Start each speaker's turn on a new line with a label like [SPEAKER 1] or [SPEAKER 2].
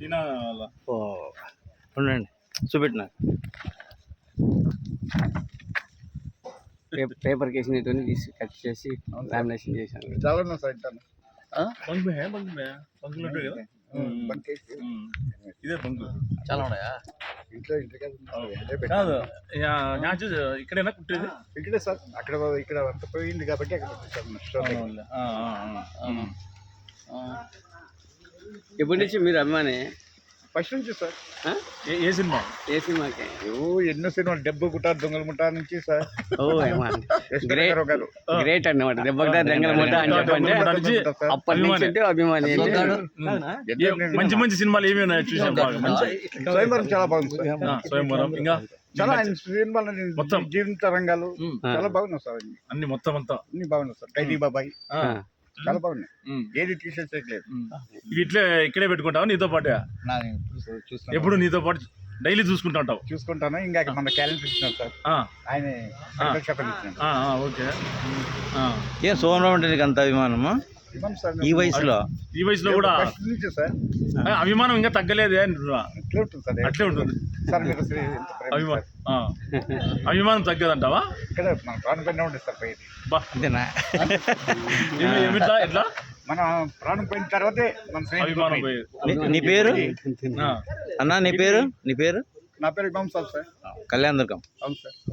[SPEAKER 1] చీనా వాళ్ళ.
[SPEAKER 2] ఓ ఉండండి చూపెట్టిన పేపర్ కేసినటువంటి తీసి కట్ చేసి లామినేషన్ చేశాను.
[SPEAKER 3] చాలా సార్ ఇంటాను
[SPEAKER 1] బంక్ మే బంకులు ఉంటాయి కదా. ఇదే బంకు
[SPEAKER 2] చాలా ఉన్నాయా?
[SPEAKER 3] ఇంట్లో
[SPEAKER 1] కాదు మ్యాచ్ ఇక్కడైనా కుట్టేది.
[SPEAKER 3] ఇక్కడే సార్ ఇక్కడ అంత పోయింది కాబట్టి అక్కడ
[SPEAKER 2] ఎప్పటి నుంచి మీరు అభిమాని?
[SPEAKER 3] ఫస్ట్ నుంచి సార్.
[SPEAKER 1] ఏ సినిమా?
[SPEAKER 2] ఏ సినిమాకి?
[SPEAKER 3] ఎన్నో సినిమాలు డబ్బు గుట్ట దొంగల ముఠా నుంచి సార్.
[SPEAKER 2] ఓ గ్రేట్ అన్నమాట. దెబ్బకి దొంగల ముఠా అని చెప్పంటే అప్పటి నుంచి అంటే అభిమాని.
[SPEAKER 1] మంచి మంచి సినిమాలు ఏమి ఉన్నాయి చూసాం.
[SPEAKER 3] స్వయంవరం చాలా బాగుంది సార్.
[SPEAKER 1] స్వయంవరం ఇంకా
[SPEAKER 3] చాలా సినిమాలు మొత్తం జీవిత రంగాలు చాలా బాగున్నాయి సార్.
[SPEAKER 1] అన్ని మొత్తం అంతా
[SPEAKER 3] అన్ని బాగున్నాయి సార్. ఖైదీ బాబాయ్ చాలా బాగున్నాయి. ఏది టీషర్ట్స్ చేయట్లేదు.
[SPEAKER 1] ఇవి ఇట్లే ఇక్కడే పెట్టుకుంటావు నీతో పాటు? ఎప్పుడు నీతో పాటు డైలీ చూసుకుంటా ఉంటావు?
[SPEAKER 3] చూసుకుంటాను. ఇంకా మన క్యాలెండర్ ఇచ్చినాం సార్. ఆయన
[SPEAKER 1] ఓకే.
[SPEAKER 2] ఏం సోమరావు అంటే నీకు అంత అభిమానమా ఈ వయసులో?
[SPEAKER 1] ఈ వయసులో కూడా
[SPEAKER 3] సార్
[SPEAKER 1] అభిమానం ఇంకా తగ్గలేదే అంటున్నా. అట్లే ఉంటుంది అభిమానం తగ్గదంటావా?
[SPEAKER 3] ఇక్కడ మన ప్రాణం పైన ఉంటుంది సార్. పై
[SPEAKER 2] అంతేనా?
[SPEAKER 1] ఏమిట్లా ఎట్లా
[SPEAKER 3] మన ప్రాణం పోయిన తర్వాతే మన
[SPEAKER 1] అభిమానం పోయేది.
[SPEAKER 2] నీ పేరు అన్నా? నీ పేరు?
[SPEAKER 3] నా పేరు ఇమాం సార్.
[SPEAKER 2] కళ్యాణ్ దుర్గం.
[SPEAKER 3] అవును సార్.